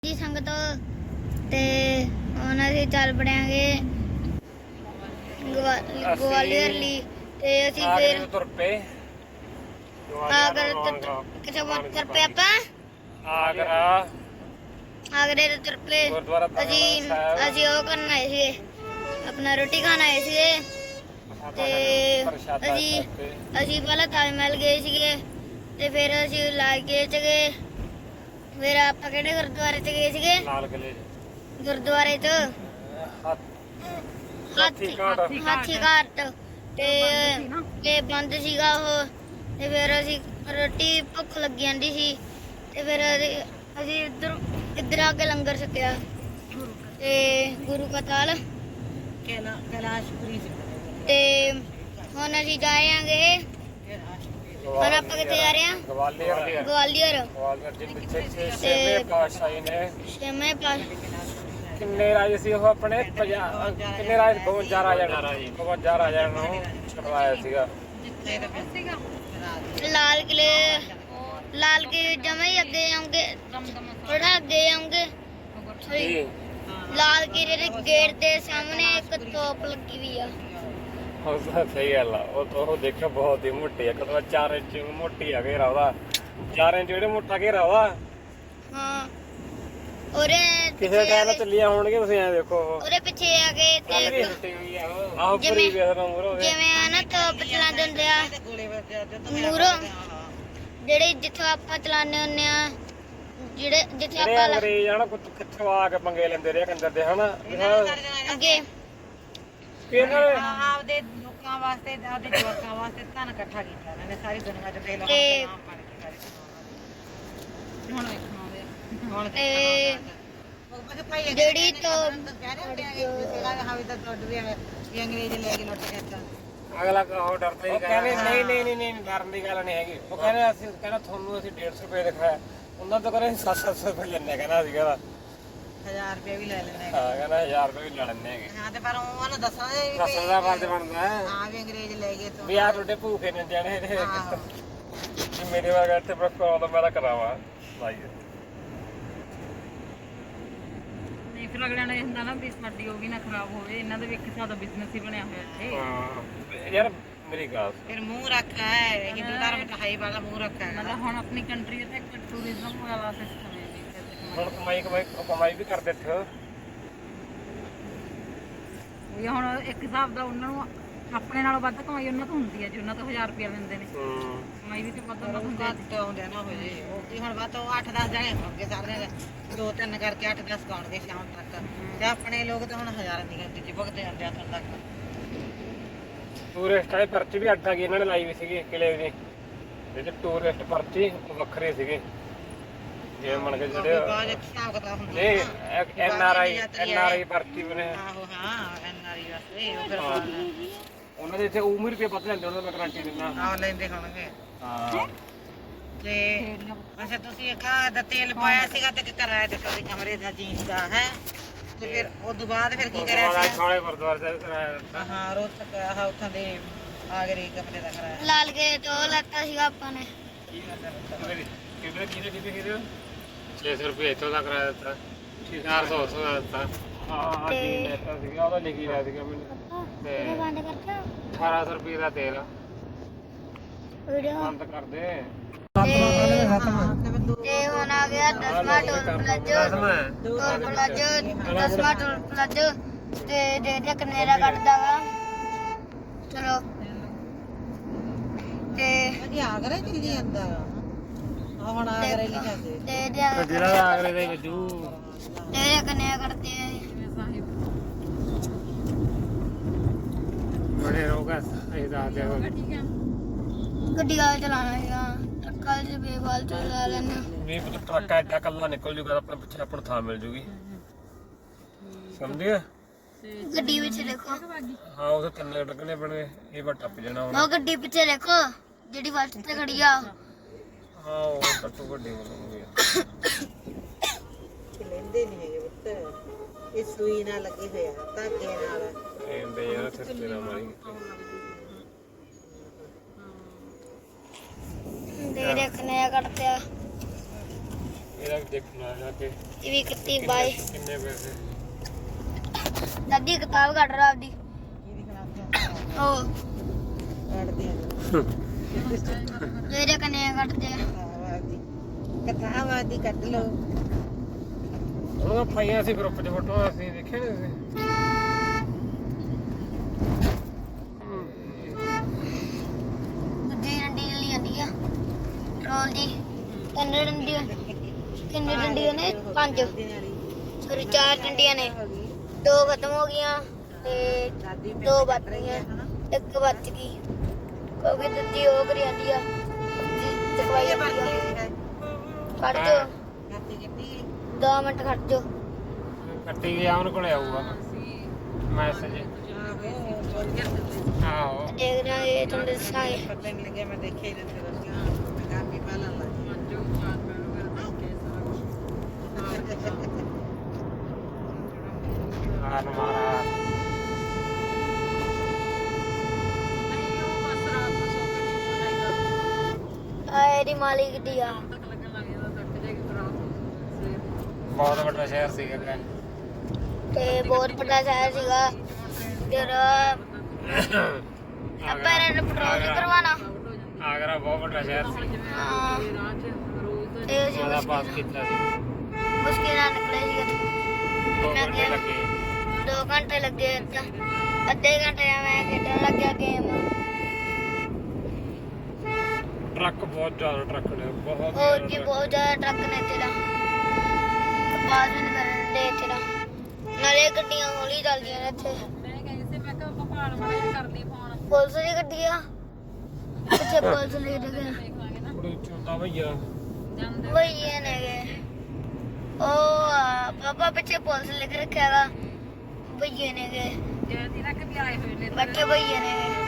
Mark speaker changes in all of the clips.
Speaker 1: जी संगत ते हुण असीं चल पड़ांगे ग्वालियर ली ते असीं फिर
Speaker 2: तुर पे
Speaker 1: आगरा किथे तुर पे आपां
Speaker 2: आगरा
Speaker 1: आगरे ते तुर पे असीं ओह करन आए सीगे अपना रोटी खान आए सीगे ते असीं पहले ताज महल गए सीगे ते फिर असीं लाल किले च गए फिर आप किहड़े गुरुद्वारे च गए सीगे
Speaker 2: लाल किले
Speaker 1: गुरुद्वारे च हाथी घाट ते बंद सीगा ਉਹ ਤੇ ਫਿਰ ਅਸੀਂ ਰੋਟੀ ਭੁੱਖ ਲੱਗੀ ਜਾਂਦੀ ਸੀ ਤੇ ਫਿਰ ਅਸੀਂ ਇੱਧਰ ਆ ਕੇ ਲੰਗਰ ਛਕਿਆ ਤੇ ਗੁਰੂ ਕਾ ਤਾਲ ਕੈਲਾਸ਼ਪੁਰੀ ਤੇ ਹੁਣ ਅਸੀਂ ਜਾਵਾਂਗੇ ਹੁਣ ਆਪਾਂ ਕਿੱਥੇ ਜਾ ਰਹੇ ਹਾਂ ਗਵਾਲੀਅਰ
Speaker 2: ਦੇ ਪਿੱਛੇ ਛੇਵੇਂ ਪਾਤਸ਼ਾਹੀ ਨੇ
Speaker 1: ਛੇਵੇਂ
Speaker 2: ਕਿੰਨੇ ਰਾਜੇ ਸੀ ਉਹ ਆਪਣੇ ਕਿੰਨੇ ਰਾਜ 52 ਰਾਜਾ ਨੂੰ ਛੁਡਵਾਇਆ ਸੀਗਾ
Speaker 1: ਲਾਲ ਕਿਲੇ ਜਮਾ ਹੀ ਅੱਗੇ ਜਾਉਂਗੇ ਥੋੜਾ ਅੱਗੇ ਜਾਉਂਗੇ ਲਾਲ ਕਿਲੇ ਦੇ ਗੇਟ ਦੇ ਸਾਹਮਣੇ ਇੱਕ ਤੋਪ ਲੱਗੀ ਵੀ ਆ
Speaker 2: ਸਹੀ ਗੱਲ ਆ ਉਹ ਦੇਖਿਓ ਬਹੁਤ ਹੀ ਮੋਟੀ ਆ ਕਦੋਂ 4 ਇੰਚ ਮੋਟੀ ਆ ਘੇਰਾ ਉਹਦਾ 4 ਇੰਚ ਜਿਹੜੇ ਮੋਟਾ ਘੇਰਾ ਉਹਦਾ
Speaker 1: ਹਾਂ ਉਹਦੇ
Speaker 2: ਕਿਸੇ ਟਾਈਮ ਚੱਲੀਆਂ ਹੋਣਗੇ ਤੁਸੀਂ ਐ ਦੇਖੋ
Speaker 1: ਉਹਦੇ ਪਿੱਛੇ ਆ ਕੇ ਤੇ
Speaker 2: ਆਹ ਪੂਰੀ ਵੇਖਦਾ ਮੂਰੋ
Speaker 1: ਜਿਵੇਂ ਆ ਨਾ ਤੋਪ ਚਲਾਉਂਦੇ ਹੁੰਦੇ ਆ ਮੂਰੋ ਜਿਹੜੇ ਜਿੱਥੋਂ ਆਪਾਂ ਚਲਾਉਂਦੇ ਹੁੰਦੇ ਆ ਜਿੱਥੇ ਆਪਾਂ
Speaker 2: ਅੰਗਰੇਜ਼ ਆ ਨਾ ਕਿੱਥੋਂ ਆ ਕੇ ਪੰਗੇ ਲੈਂਦੇ ਰਹੇ ਕੰਦਰ ਦੇ ਹਨਾ
Speaker 1: ਅੱਗੇ
Speaker 3: ਆਪਦੇ ਲੋਕਾਂ ਵਾਸਤੇ ਆਪਦੇ ਜਵਾਕਾਂ ਵਾਸਤੇ ਧਨ ਇਕੱਠਾ ਕੀਤਾ ਇਹਨਾਂ ਨੇ ਸਾਰੀ ਦੁਨੀਆ 'ਚ ਦੇ ਲੋਕਾਂ ਹੁਣ ਵੇਖਣਾ
Speaker 1: ਤੇ ਜਿਹੜੀ ਤੋਂ
Speaker 3: ਅੰਗਰੇਜ਼ ਲੈ ਕੇ ਲੁੱਟ ਕੇ
Speaker 2: ਅਗਲਾ ਉਹ ਡਰਦਾ ਹੀ ਕਹਿੰਦੇ ਨਹੀਂ ਡਰਨ ਦੀ ਗੱਲ ਨਹੀਂ ਹੈਗੀ ਉਹ ਕਹਿੰਦੇ ਅਸੀਂ ਤੁਹਾਨੂੰ ਅਸੀਂ 150 ਰੁਪਏ ਦਿਖਾਇਆ ਉਹਨਾਂ ਤੋਂ ਕਹਿੰਦੇ 700 ਰੁਪਏ ਲੈਣੇ ਕਹਿੰਦਾ ਅਸੀਂ ਕਹਿੰਦਾ
Speaker 3: 1000 ਰੁਪਏ ਵੀ ਲੈ ਲੈਂਦੇ
Speaker 2: ਹਾਂ ਕਹਿੰਦਾ 1000 ਰੁਪਏ ਵੀ ਲੈ ਲੈਣੇ ਹੈਗੇ
Speaker 3: ਹਾਂ ਤੇ ਪਰ ਉਹਨਾਂ ਨੂੰ ਦੱਸਣਾ
Speaker 2: ਦੱਸਣ ਦਾ ਫਰਜ਼ ਬਣਦਾ
Speaker 3: ਹਾਂ ਵੀ ਅੰਗਰੇਜ਼ ਲੈ ਗਏ ਤੋਂ
Speaker 2: ਵੀ ਆ ਤੁਹਾਡੇ ਭੂਖੇ ਨੇ ਜਾਣੇ ਜੇ ਮੇਰੇ ਵਰਗਾ ਇੱਥੇ ਪ੍ਰੋਫੈਸਰ ਆਉਂਦਾ ਮੈਂ ਤਾਂ ਕਰਾਵਾਂ ਲਾਈਏ
Speaker 3: ਨਹੀਂ ਫਿਰ ਅਗਲਿਆਂ ਨੇ ਹੁੰਦਾ ਨਾ ਵੀ ਸਾਡੀ ਉਹ ਵੀ ਨਾ ਖਰਾਬ ਹੋਵੇ ਇਹਨਾਂ ਦਾ ਵੀ ਇੱਕ ਹਿਸਾਬ ਦਾ ਬਿਜ਼ਨਸ ਹੀ ਬਣਿਆ ਹੋਇਆ ਇੱਥੇ
Speaker 2: ਹਾਂ ਯਾਰ ਮੇਰੀ ਗੱਲ
Speaker 3: ਫਿਰ ਮੂੰਹ ਰੱਖਾ ਹੈ ਹਿੰਦੂ ਧਰਮ ਚ ਹਾਈ ਵਾਲਾ ਮੂੰਹ ਰੱਖਾ ਹੈ ਮਤਲਬ ਹੁਣ ਆਪਣੀ ਕੰਟਰੀ ਤੇ ਇੱਕ ਟੂਰਿਜ਼ਮ ਵਾਲਾ ਸਿਸਟਮ ਹੈ
Speaker 2: ਹੁਣ ਕਮਾਈ ਵੀ ਕਰਦੇ ਇੱਥੇ
Speaker 3: ਇਹ ਹੁਣ ਇੱਕ ਹਿਸਾਬ ਦਾ ਉਹਨਾਂ ਨੂੰ ਆਪਣੇ ਨਾਲੋਂ ਵੱਧ ਕਮਾਈ ਉਹਨਾਂ ਤੋਂ ਹੁੰਦੀ ਹੈ ਜੀ ਉਹਨਾਂ ਤੋਂ 1000 ਰੁਪਏ ਲੈਂਦੇ ਨੇ ਕਮਾਈ ਵੀ ਤੇ ਵੱਧ ਹੁੰਦੀ ਹੈ ਨਾ ਹੋ ਜੇ ਉਹ ਹੁਣ ਵੱਧ ਤੋਂ 8-10 ਜਣੇ ਹੋਣਗੇ ਸਾਰੇ 2-3 ਕਰਕੇ 8-10 ਕਾਉਣਗੇ ਸ਼ਾਮ ਤੱਕ ਤੇ ਆਪਣੇ ਲੋਕ ਤਾਂ ਹੁਣ ਹਜ਼ਾਰਾਂ ਦੀ ਗਿਣਤੀ ਚ ਭੁਗਤੇ ਜਾਂਦੇ ਆ ਤੱਕ
Speaker 2: ਟੂਰਿਸਟ ਵਾਲੇ ਪਰਚੀ ਵੀ ਅੱਡਾ ਗਈ ਇਹਨਾਂ ਨੇ ਲਾਈ ਵੀ ਸੀਗੀ ਕਿਲੇ ਦੀ ਜਿਹੜੇ ਟੂਰਿਸਟ ਪਰਚੀ ਵੱਖਰੇ ਸੀਗੇ ਜੇ ਮੰਨ ਕੇ ਜਿਹੜੇ ਐਨਆਰਆਈ ਪਰਚੀ ਬਣੇ
Speaker 3: ਆਹੋ ਹਾਂ ਐਨਆਰਆਈ ਵਾਸਤੇ ਉਹ ਫਿਰ
Speaker 2: ਉਹਨਾਂ ਦੇ ਇੱਥੇ ਉਮਰ ਰੁਪਏ ਪਤਾ ਲੈਂਦੇ ਉਹਨਾਂ ਦਾ ਗਾਰੰਟੀ ਦਿੰਦਾ
Speaker 3: ਆਹ ਲੈਂਦੇ ਹੋਣਗੇ
Speaker 2: ਹਾਂ ਤੇ
Speaker 3: ਅੱਛਾ ਤੁਸੀਂ ਇੱਕ ਦਾ ਤੇਲ ਪਾਇਆ ਸੀਗਾ ਤੇ ਕਿਰਾਇਆ ਦਿੱਤਾ ਸੀ ਕਮਰੇ ਦਾ ਜੀਨ ਦਾ ਹੈ ਤੇ ਫਿਰ ਉਸ ਤੋਂ ਬਾਅਦ ਫਿਰ ਕੀ ਕਰਿਆ ਸੀ
Speaker 2: ਛਾਲੇ ਗੁਰਦੁਆਰੇ ਸਾਹਿਬ ਕਰਾਇਆ ਦਿੱਤਾ
Speaker 3: ਹਾਂ ਰੋਜ਼ ਤੱਕ ਆਹ ਉੱਥੋਂ ਦੇ ਆਗਰੇ ਕਮਰੇ ਦਾ ਕਰਾਇਆ
Speaker 1: ਲਾਲ ਕੇ ਤੋਂ ਲੈਤਾ ਸੀਗਾ ਆਪਾਂ ਨੇ
Speaker 2: ਕਿਹਦੇ 600 ਰੁਪਏ ਇੱਥੋਂ ਦਾ ਕਰਾਇਆ ਦਿੱਤਾ 400 ਦਾ ਦਿੱਤਾ ਹਾਂ ਜੀ ਲੈਤਾ ਸੀਗਾ ਉਹਦਾ ਲਿਖੀ ਰਿਹਾ ਸੀਗਾ ਮੈਨੂੰ ਤੇ
Speaker 1: ਬੰਦ ਕਰਤਾ
Speaker 2: 1800 ਰੁਪਏ ਦਾ ਤੇਲ
Speaker 1: ਵੀਡੀਓ
Speaker 2: ਬੰਦ ਕਰ ਦੇ
Speaker 1: ਤੇ ਹੁਣ ਆ ਗਿਆ 10ਵਾਂ ਟੋਲ ਪਲਾਜ਼ੋ ਤੇ ਦੇਖਦੇ ਕਿੰਨੇ ਦਾ ਕੱਢਦਾ ਵਾ ਚਲੋ ਤੇ
Speaker 3: ਵਧੀਆ ਆਗਰੇ ਚੱਲੀ ਜਾਂਦਾ ਆ ਹੁਣ ਆਗਰੇ ਲਈ ਜਾਂਦੇ
Speaker 1: ਤੇ
Speaker 2: ਜਿਹੜਾ ਆਗਰੇ ਦੇ ਵੱਜੂ
Speaker 1: ਇਹ ਕਿੰਨੇ ਕੱਢਦੇ ਆ
Speaker 2: ਬੜੇ ਰੋਗਾ ਇਹ ਦੱਸ ਦੇ
Speaker 1: ਗੱਡੀ ਵਾਲਾ ਚਲਾਣਾ ਹੈਗਾ ਟਰੱਕਾਂ 'ਚ ਬੇਵਾਲ ਚਲਾ ਲੈਣਾ
Speaker 2: ਵੀ ਟਰੱਕ ਐਡਾ ਕੱਲਾ ਨਿਕਲ ਜੂਗਾ ਆਪਣੇ ਪਿੱਛੇ ਆਪਾਂ ਨੂੰ ਥਾਂ ਮਿਲ ਜੂਗੀ ਸਮਝ ਗਿਆ
Speaker 1: ਗੱਡੀ ਵਿੱਚ ਦੇਖੋ
Speaker 2: ਹਾਂ ਉਹ ਤਿੰਨ ਲੱਗਣੇ ਬਣੇ ਇਹ ਵਾ ਟੱਪ ਜਾਣਾ ਹੁਣ
Speaker 1: ਉਹ ਗੱਡੀ ਪਿੱਛੇ ਦੇਖੋ ਜਿਹੜੀ ਵੱਟ ਤੇ ਖੜੀ ਆ
Speaker 2: ਹਾਂ ਉਹ ਟੱਟੂ ਵੱਡੀ ਬਣੂਗੀ
Speaker 3: ਲੈਂਦੇ ਨਹੀਂ ਹੈਗੇ ਪੁੱਤ ਇਹ ਸੂਈ ਨਾਲ ਲੱਗੀ ਹੋਇਆ ਧਾਗੇ ਨਾਲ
Speaker 2: ਇਹਦੇ ਯਾਰ ਸਿਸਟਰ ਨਾਲ ਮਾਰੀ
Speaker 1: ਦੇ ਦੇਖਨੇ ਆ ਕੱਟਿਆ
Speaker 2: ਇਹਦਾ ਦੇਖਣਾ ਜਾ ਕੇ
Speaker 1: ਵੀ ਕਿੱਤੀ ਬਾਈ
Speaker 2: ਕਿੰਨੇ ਪੈਸੇ
Speaker 1: ਦਾਦੀ ਕਿਤਾਬ ਕੱਢ ਰਾ ਆਪਦੀ ਉਹ ਮੇਰੇ ਕਨੇ ਕੱਢਦੇ
Speaker 3: ਕਥਾਵਾਦੀ ਕੱਢ ਲਓ
Speaker 2: ਉਹਨਾਂ ਪਾਈਆਂ ਸੀ ਗਰੁੱਪ 'ਚ ਫੋਟੋ ਅਸੀਂ ਦੇਖਿਆ ਨਹੀਂ ਤੁਸੀਂ
Speaker 1: ਦੂਜੀ ਡੰਡੀ ਲਈ ਆਂਦੀ ਆ ਰੋਲ ਦੀ ਕਿੰਨੇ ਡੰਡੀਆਂ ਕਿੰਨੇ ਡੰਡੀਆਂ ਨੇ 5 ਸੋਰੀ 4 ਡੰਡੀਆਂ ਨੇ 2 ਖਤਮ ਹੋ ਗਈਆਂ ਤੇ 2 ਬਚ ਗਈਆਂ ਇੱਕ ਬਚ ਗਈ ਕਿਉਂਕਿ ਦੂਜੀ ਉਹ ਕਰੀ ਆਂਦੀ ਆ ਦਵਾਈ ਆਂਦੀ ਆ ਕੱਢ ਜੋ 2 ਮਿੰਟ ਖੜ ਜੋ
Speaker 2: ਕੱਟੀ ਗਿਆ ਉਹਨਾਂ ਕੋਲੇ ਆਊਗਾ ਮੈਸੇਜ ਆਹੋ
Speaker 1: ਦੇਖ ਰਿਹਾ ਇਹ ਤੁਹਾਨੂੰ ਦੱਸਾਂਗੇ
Speaker 3: ਪਤਾ ਨਹੀਂ ਲੱਗਿਆ ਮੈਂ ਦੇਖਿਆ ਹੀ ਨਹੀਂ ਮੈਂ ਕੰਮ ਹੀ ਪਹਿਲਾਂ ਲੱਗ
Speaker 2: ਆਨ ਮਾਰਾ
Speaker 1: ਇਹਦੀ ਮਾਲਿਕ ਦੀ ਆ
Speaker 2: ਬਹੁਤ ਵੱਡਾ ਸ਼ਹਿਰ ਸੀਗਾ
Speaker 1: ਤੇ ਬਹੁਤ ਵੱਡਾ ਸ਼ਹਿਰ ਸੀਗਾ ਫਿਰ ਆਪਾਂ ਨੇ ਪੈਟਰੋਲ ਨਹੀਂ ਕਰਵਾਣਾ
Speaker 2: ਆਗਰਾ ਬਹੁਤ ਵੱਡਾ ਸ਼ਹਿਰ ਸੀ
Speaker 1: ਹਾਂ ਤੇ ਅਸੀਂ
Speaker 2: ਉਹਦਾ ਪਾਸ ਕੀਤਾ ਸੀ
Speaker 1: ਮੁਸ਼ਕਿਲ ਨਾਲ ਨਿਕਲੇ ਸੀਗੇ
Speaker 2: 2 ਘੰਟੇ ਲੱਗੇ
Speaker 1: 2 ਘੰਟੇ ਲੱਗੇ ਅੱਧੇ ਘੰਟੇ ਮੈਂ ਖੇਡਣ ਲੱਗਿਆ ਗੇਮ
Speaker 2: ਟਰੱਕ ਬਹੁਤ ਜ਼ਿਆਦਾ ਟਰੱਕ ਨੇ ਬਹੁਤ
Speaker 1: ਹੋਰ ਕੀ ਬਹੁਤ ਜ਼ਿਆਦਾ ਟਰੱਕ ਨੇ ਇੱਥੇ ਦਾ ਪਾਸ ਵੀ ਨਹੀਂ ਕਰਨ ਦੇ ਇੱਥੇ ਦਾ ਨਾਲੇ ਗੱਡੀਆਂ ਹੌਲੀ ਚੱਲਦੀਆਂ ਨੇ ਇੱਥੇ
Speaker 3: ਮੈਂ ਕਹਿੰਦੀ ਸੀ ਮੈਂ ਕਿਹਾ ਪਹਾੜ ਵਾਲੇ ਕਰਦੀ ਫੋਨ
Speaker 1: ਪੁਲਿਸ ਦੀ ਗੱਡੀ ਆ ਪਿੱਛੇ ਪੁਲਿਸ ਦੀ ਗੱਡੀ
Speaker 3: ਦੇਖਾਂਗੇ ਨਾ
Speaker 2: ਬੜੀ ਚੁੰਦਾ ਭਈਆ
Speaker 3: ਜਾਂਦੇ
Speaker 1: ਭਈਏ ਨੇਗੇ ਉਹ ਪਾਪਾ ਪਿੱਛੇ ਪੁਲਿਸ ਲਿਖ ਰੱਖਿਆ ਵਾ ਭਈਏ ਨੇਗੇ
Speaker 3: ਜਿਹੜੀ ਨਾ ਕਿ ਆਏ ਹੋਏ ਨੇ
Speaker 1: ਬੱਚੇ ਭਈਏ ਨੇਗੇ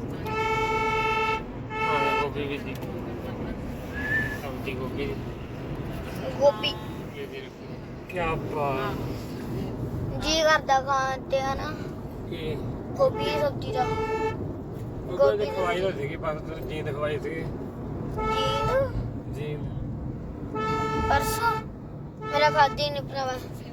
Speaker 2: ਹਾਂ ਗੋਭੀ ਵੀ ਸੀ ਸਬਜ਼ੀ ਗੋਭੀ ਦੀ
Speaker 1: ਗੋਭੀ
Speaker 2: ਕੀ ਬਾਤ
Speaker 1: ਜੀ ਕਰਦਾ ਖਾਣ ਤੇ ਹਨਾ
Speaker 2: ਕੀ
Speaker 1: ਗੋਭੀ ਦੀ ਸਬਜ਼ੀ ਦਾ
Speaker 2: ਉਹ ਦੇ ਖਵਾਈ ਹੋ ਸੀਗੀ ਬਸ ਜੀਂਦ ਖਵਾਈ ਸੀਗੀ
Speaker 1: ਜੀ
Speaker 2: ਜੀਂਦ
Speaker 1: ਪਰਸੋਂ ਮੇਰਾ ਖਾਦੀ ਨਹੀਂ ਭਰਾਵਾ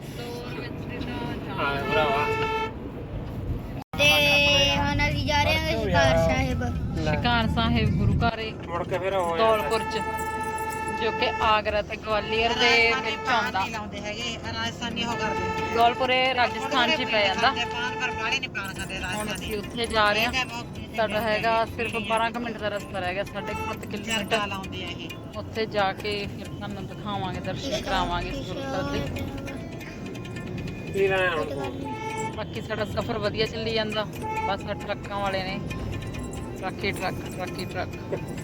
Speaker 2: ਹਾਂ ਭਰਾਵਾ
Speaker 1: ਤੇ ਹੁਣ ਅਸੀਂ ਜਾ ਰਹੇ ਹਾਂ ਸ਼ਿਕਾਰ ਸਾਹਿਬ
Speaker 3: ਸ਼ਿਕਾਰ ਸਾਹਿਬ ਗੁਰੂ ਘਰ
Speaker 2: ਮੁੜ ਕੇ ਫਿਰ ਹੋ
Speaker 3: ਦੌਲਪੁਰ ਚ ਜੋ ਕਿ ਆਗਰਾ ਤੇ ਗਵਾਲੀਅਰ ਦੇ ਵਿੱਚ ਆਉਂਦਾ
Speaker 4: ਲਾਉਂਦੇ ਹੈਗੇ ਰਾਜਸਥਾਨੀ ਹੋ ਕਰਦੇ
Speaker 3: ਦੌਲਪੁਰ ਇਹ ਰਾਜਸਥਾਨ ਚ ਹੀ ਪੈ ਜਾਂਦਾ
Speaker 4: ਪਾਨ ਪਰ ਬਾੜੇ ਨਹੀਂ ਪਾਣ ਖਾਂਦੇ
Speaker 3: ਹੁਣ
Speaker 4: ਰਾਜਸਥਾਨੀ
Speaker 3: ਅਸੀਂ ਉੱਥੇ ਜਾ ਰਹੇ ਹਾਂ ਸਾਡਾ ਹੈਗਾ ਸਿਰਫ 12 ਕੁ ਮਿੰਟ ਦਾ ਰਸਤਾ ਰਹਿ ਗਿਆ 7.5 ਕਿਲੋਮੀਟਰ
Speaker 4: ਚਰਚਾ ਲਾਉਂਦੇ ਆ ਇਹ
Speaker 3: ਉੱਥੇ ਜਾ ਕੇ ਫਿਰ ਤੁਹਾਨੂੰ ਦਿਖਾਵਾਂਗੇ ਦਰਸ਼ਨ ਕਰਾਵਾਂਗੇ ਗੁਰਦੁਆਰੇ ਦੇ
Speaker 2: ਕੀ ਰਹਿਣਾ ਹੁਣ ਤੂੰ?
Speaker 3: ਬਾਕੀ ਸਾਡਾ ਸਫ਼ਰ ਵਧੀਆ ਚੱਲੀ ਜਾਂਦਾ ਬਸ ਆਹ ਟਰੱਕਾਂ ਵਾਲੇ ਨੇ ਟਰੱਕ ਹੀ ਟਰੱਕ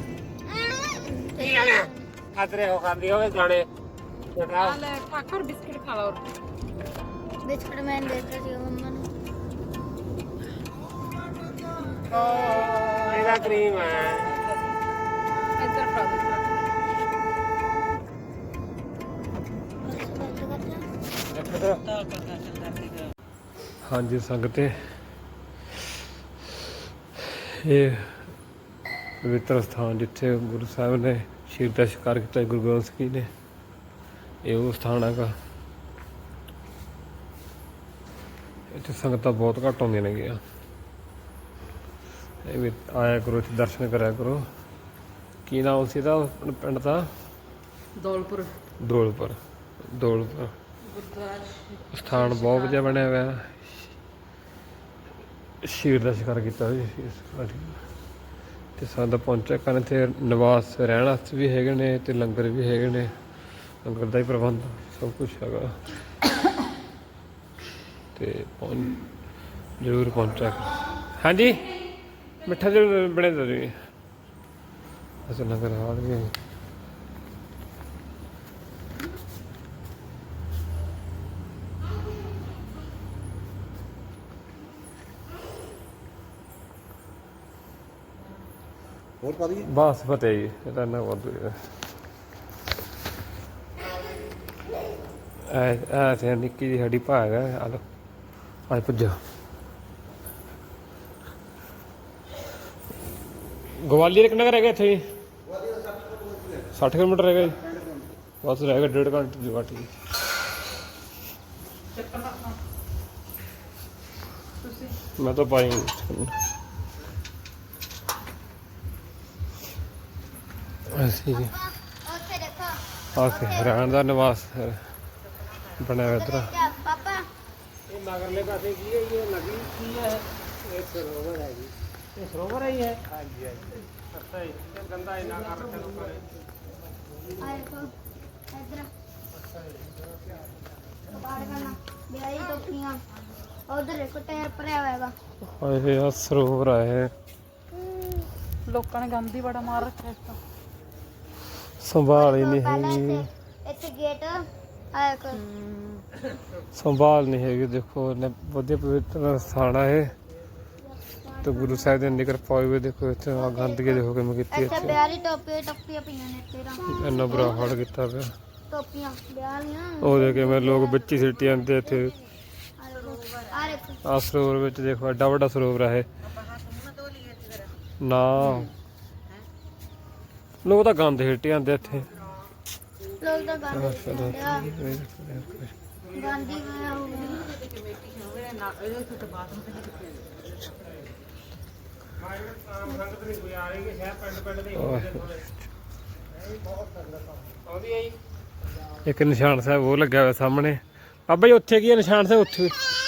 Speaker 2: ਖਾਤਰੇ ਹੋ ਖਾਂਦੀ ਹੋਵੇ ਜਾਣੇ ਬਤਾ
Speaker 3: ਲੈ ਕਾਕਰ ਬਿਸਕਿਟ ਖਾ ਲਓ
Speaker 1: ਬਿਸਕੁਟ ਮੈਂ ਦੇ ਦਿੱਤਾ ਸੀ ਮੰਮਾ ਨੂੰ
Speaker 2: ਇਹਦਾ ਕਰੀਮ ਹੈ
Speaker 3: ਇੱਧਰ ਫੜਾ ਦੇ
Speaker 4: ਤਾਲ ਕਰਦਾ ਚੱਲਦਾ ਸੀਗਾ
Speaker 2: ਹਾਂਜੀ ਸੰਗਤੇ ਇਹ ਪਵਿੱਤਰ ਸਥਾਨ ਜਿੱਥੇ ਗੁਰੂ ਸਾਹਿਬ ਨੇ ਸ਼ੇਰ ਦਾ ਸ਼ਿਕਾਰ ਕੀਤਾ ਗੁਰੂ ਗੋਬਿੰਦ ਸਿੰਘ ਜੀ ਨੇ ਇਹ ਉਹ ਸਥਾਨ ਹੈਗਾ ਇੱਥੇ ਸੰਗਤਾਂ ਬਹੁਤ ਘੱਟ ਆਉਂਦੀਆਂ ਨੇ ਗਿਆ ਇਹ ਵੀ ਆਇਆ ਕਰੋ ਇੱਥੇ ਦਰਸ਼ਨ ਕਰਿਆ ਕਰੋ ਕੀ ਨਾਮ ਸੀ ਇਹਦਾ ਪਿੰਡ ਦਾ
Speaker 3: ਦੌਲਪੁਰ
Speaker 2: ਦੌਲਪੁਰ
Speaker 3: ਗੁਰਦੁਆਰਾ
Speaker 2: ਸਥਾਨ ਬਹੁਤ ਵਧੀਆ ਬਣਿਆ ਹੋਇਆ ਸ਼ੇਰ ਦਾ ਸ਼ਿਕਾਰ ਕੀਤਾ ਹੋਇਆ ਤੇ ਸਾਡਾ ਪਹੁੰਚਿਆ ਕਰਨ ਇੱਥੇ ਨਿਵਾਸ ਰਹਿਣ ਵਾਸਤੇ ਵੀ ਹੈਗੇ ਨੇ ਤੇ ਲੰਗਰ ਵੀ ਹੈਗੇ ਨੇ ਲੰਗਰ ਦਾ ਹੀ ਪ੍ਰਬੰਧ ਸਭ ਕੁਝ ਹੈਗਾ ਤੇ ਜ਼ਰੂਰ ਪਹੁੰਚਿਆ ਹਾਂਜੀ ਮਿੱਠਾ ਜ਼ਰੂਰ ਬਣੇ ਜ਼ਰੂਰੀ ਅਸਲ ਲੰਗਰ ਹਾਲ ਵੀ ਹੈ
Speaker 5: ਹੋਰ ਪਾ ਦਈਏ
Speaker 2: ਬਸ ਫਤਿਹ ਜੀ ਇਹਦਾ ਨਾ ਵਾਧੂ ਹੈ ਤੇ ਨਿੱਕੀ ਜਿਹੀ ਸਾਡੀ ਭਾਗ ਹੈ ਆ ਲੋ ਅੱਜ ਪੁੱਜਾ ਗਵਾਲੀਅਰ ਕਿੰਨਾ ਕੁ ਰਹਿ ਗਿਆ ਇੱਥੇ ਜੀ 60 ਕਿਲੋਮੀਟਰ ਰਹਿ ਗਿਆ ਜੀ ਬਸ ਰਹਿ ਗਿਆ 1.5 ਘੰਟੇ ਦੀ ਵਾਟ ਜੀ। ਮੈਂ ਤਾਂ ਪਾਈ ਅਸੀਂ
Speaker 1: ਉੱਥੇ ਦੇਖੋ
Speaker 2: ਆਖੇ ਰਹਿਣ ਦਾ ਨਿਵਾਸ ਬਣਿਆ ਹੋਇਆ ਇੱਧਰ।
Speaker 1: ਕਿਆ ਪਾਪਾ
Speaker 2: ਇਹ ਮਗਰਲੇ ਪਾਸੇ ਕੀ ਹੈ? ਇਹ ਨਦੀ ਕੀ ਹੈ? ਇਹ ਸਰੋਵਰ ਹੈ ਜੀ। ਇਹ ਸਰੋਵਰ ਹੀ ਹੈ? ਹਾਂਜੀ ਹਾਂਜੀ। ਅੱਛਾ ਜੀ। ਇਹ ਗੰਦਾ ਇੰਨਾ ਕਰ ਰੱਖਿਆ ਲੋਕਾਂ ਨੇ।
Speaker 1: ਆ ਦੇਖੋ ਇੱਧਰ ਬਾੜ ਕਰਨਾ ਬਿਆਈ ਟੋਪੀਆਂ ਉਧਰ ਦੇਖੋ ਟਾਇਰ ਭਰਿਆ ਹੋਇਆ ਹੈਗਾ।
Speaker 2: ਹਾਏ ਆ ਸਰੋਵਰ ਆ ਇਹ।
Speaker 3: ਲੋਕਾਂ ਨੇ ਗੰਦ ਹੀ ਬੜਾ ਮਾਰ ਰੱਖਿਆ ਇਸ ਤੋਂ।
Speaker 2: ਸੰਭਾਲ ਹੀ ਨਹੀਂ
Speaker 1: ਪਹਿਲਾਂ
Speaker 2: ਹੈਗੀ।
Speaker 1: ਇੱਥੇ ਗੇਟ ਆ ਦੇਖੋ
Speaker 2: ਸੰਭਾਲ ਨਹੀਂ ਹੈਗੀ। ਦੇਖੋ ਇਹਨੇ ਵਧੀਆ ਪਵਿੱਤਰ ਸਥਾਨ ਆ ਇਹ ਤੇ ਗੁਰੂ ਸਾਹਿਬ ਦੇ ਨਿਕਰ ਪਾਏ ਹੋਏ। ਦੇਖੋ ਇੱਥੇ ਆ ਗੰਦਗੀ ਦੇਖੋ ਕਿਵੇਂ ਕੀਤੀ
Speaker 1: ਇੱਥੇ
Speaker 2: ਇੱਥੇ।
Speaker 1: ਬਿਆਲੀ ਟੋਪੀਆਂ ਪਈਆਂ ਨੇ ਤੇਰਾ
Speaker 2: ਇੰਨਾ ਬੁਰਾ ਹਾਲ ਕੀਤਾ ਪਿਆ।
Speaker 1: ਟੋਪੀਆਂ ਬਿਆਲੀਆਂ
Speaker 2: ਉਹ ਦੇ ਕੇ ਮੈਂ ਲੋਕ ਵਿੱਚ ਹੀ ਸਿੱਟੀ ਜਾਂਦੇ ਇੱਥੇ।
Speaker 1: ਆ ਦੇਖੋ
Speaker 2: ਆ ਸਰੋਵਰ ਵਿੱਚ ਦੇਖੋ ਐਡਾ ਵੱਡਾ ਸਰੋਵਰ ਆ ਇਹ। ਨਾ ਲੋਕ ਤਾਂ ਗੰਦ ਸਿੱਟੀ ਜਾਂਦੇ ਇੱਥੇ।
Speaker 1: ਲੋਕ ਤਾਂ ਗਾਂਧੀ ਗਾਂਧੀ ਹੋਇਆ ਹੋਊਗਾ। ਇੱਕ ਨਿਸ਼ਾਨ ਸਾਹਿਬ ਉਹ ਲੱਗਿਆ ਹੋਇਆ ਸਾਹਮਣੇ। ਬਾਬਾ ਜੀ ਉੱਥੇ ਕੀ ਹੈ ਨਿਸ਼ਾਨ ਸਾਹਿਬ? ਉੱਥੇ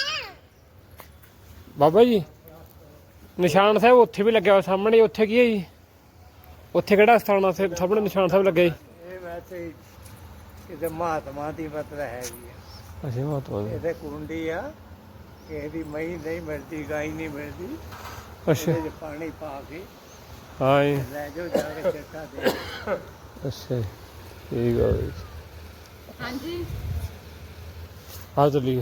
Speaker 1: ਬਾਬਾ ਜੀ ਨਿਸ਼ਾਨ ਸਾਹਿਬ ਉੱਥੇ ਵੀ ਲੱਗਿਆ ਹੋਇਆ ਸਾਹਮਣੇ। ਉੱਥੇ ਕੀ ਹੈ ਜੀ? ਉੱਥੇ ਕਿਹੜਾ ਸਥਾਨ ਆ ਸਾਹਮਣੇ ਨਿਸ਼ਾਨ ਸਾਹਿਬ ਲੱਗੇ?
Speaker 5: ਇਹ ਵੈਸੇ ਕਿਤੇ ਮਹਾਤਮਾ ਦੀ ਮਤਲਬ ਹੈਗੀ ਆ।
Speaker 2: ਅੱਛਾ ਮਹਾਤਮਾ ਜੀ।
Speaker 5: ਇਹਦੇ ਕੁੰਡੀ ਆ, ਕਿਸੇ ਦੀ ਮਹੀਂ ਨਹੀਂ ਮਿਲਦੀ, ਗਾਈ ਨਹੀਂ ਮਿਲਦੀ।
Speaker 2: ਅੱਛਾ
Speaker 5: ਇਹਦੇ 'ਚ ਪਾਣੀ ਪਾ ਕੇ
Speaker 2: ਹਾਂ ਜੀ।
Speaker 5: ਲੈ ਜਾਓ ਜਾ ਕੇ ਚਿੱਟਾ ਦੇ।
Speaker 2: ਅੱਛਾ ਜੀ ਠੀਕ ਆ ਜੀ।
Speaker 3: ਹਾਂਜੀ
Speaker 2: ਆ ਚੱਲੀਏ।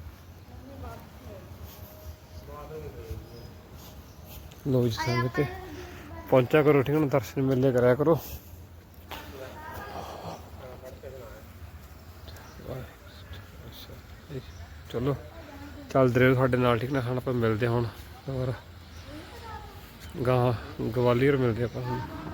Speaker 2: ਲੋ ਜੀ ਸੰਗਤ ਪਹੁੰਚਿਆ ਕਰੋ ਠੀਕ ਹੈ ਨਾ। ਦਰਸ਼ਨ ਮੇਲੇ ਕਰਿਆ ਕਰੋ। ਚਲੋ ਚੱਲਦੇ ਰਹੋ ਸਾਡੇ ਨਾਲ ਠੀਕ ਨਾ। ਹੁਣ ਆਪਾਂ ਮਿਲਦੇ ਹੁਣ ਹੋਰ ਗਾਂ ਗਵਾਲੀਅਰ ਮਿਲਦੇ ਆਪਾਂ ਹੁਣ।